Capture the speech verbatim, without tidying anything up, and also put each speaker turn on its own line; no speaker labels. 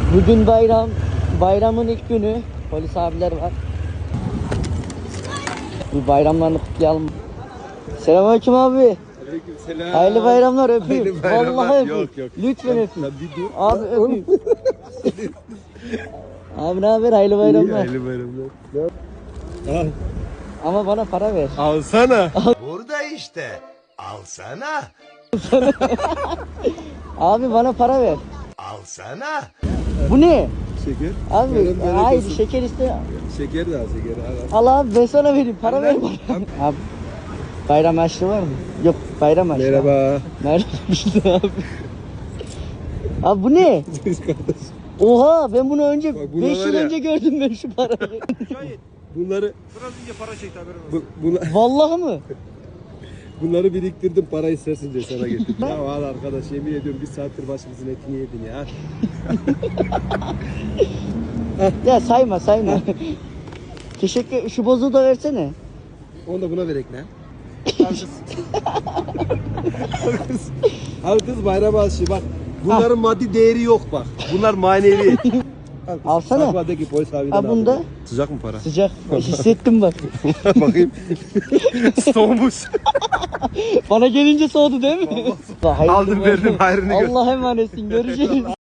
Bugün bayram. Bayramın ilk günü. Polis abiler var. Bir bayramlarını kutlayalım. Selamünaleyküm abi.
Aleykümselam.
Hayırlı bayramlar, öpeyim.
Hayırlı bayramlar.
Vallahi öpeyim.
Yok, yok.
Lütfen
Lan-
öpeyim.
lan bir dur.
Abi
Lan oğlum.
öpeyim. Abi ne haber? Hayırlı
İyi,
bayramlar.
hayırlı bayramlar. Al.
Ama bana para ver.
Alsana.
Burada işte. Alsana.
Abi bana para ver.
Alsana.
Bu ne?
Şeker.
Abi
Bayram bayram
hayır
olsun.
şeker iste.
Şeker de al şeker. Al, al.
Al abi ben sana vereyim. Para
Al
ver
lan.
bana. Abi bayram harçlığı var mı? Yok bayram harçlığı.
Merhaba.
Merhaba abi. Abi bu ne?
Biz kardeş.
Oha ben bunu önce
Bak bunlar
beş yıl
var ya.
önce gördüm ben şu parayı.
Bunları
Biraz önce para çekti haberin olsun.
bu, buna,
Vallahi mı?
bunları biriktirdim, para istersin diye sana getirdim. Ya al arkadaş, yemin ediyorum bir saattir başımızın etini yedin ya.
Ya sayma sayma. Teşekkür. Şu bozuğu da versene.
Onu da buna verek ne? Al kız. Al kız. Al kız bayram aşı bak. Bunların maddi değeri yok bak. Bunlar manevi. Al kız.
Alsana.
Sakladaki polis abiden
Ha, bunda?
aldım. Sıcak mı para?
Sıcak. Hissettim bak.
Bakayım. Soğumuş.
Bana gelince soğudu değil mi? Hayırlı
Aldım, verdim,
bayram.
hayrını gör.
Allah'a emanetsin. Görüşürüz.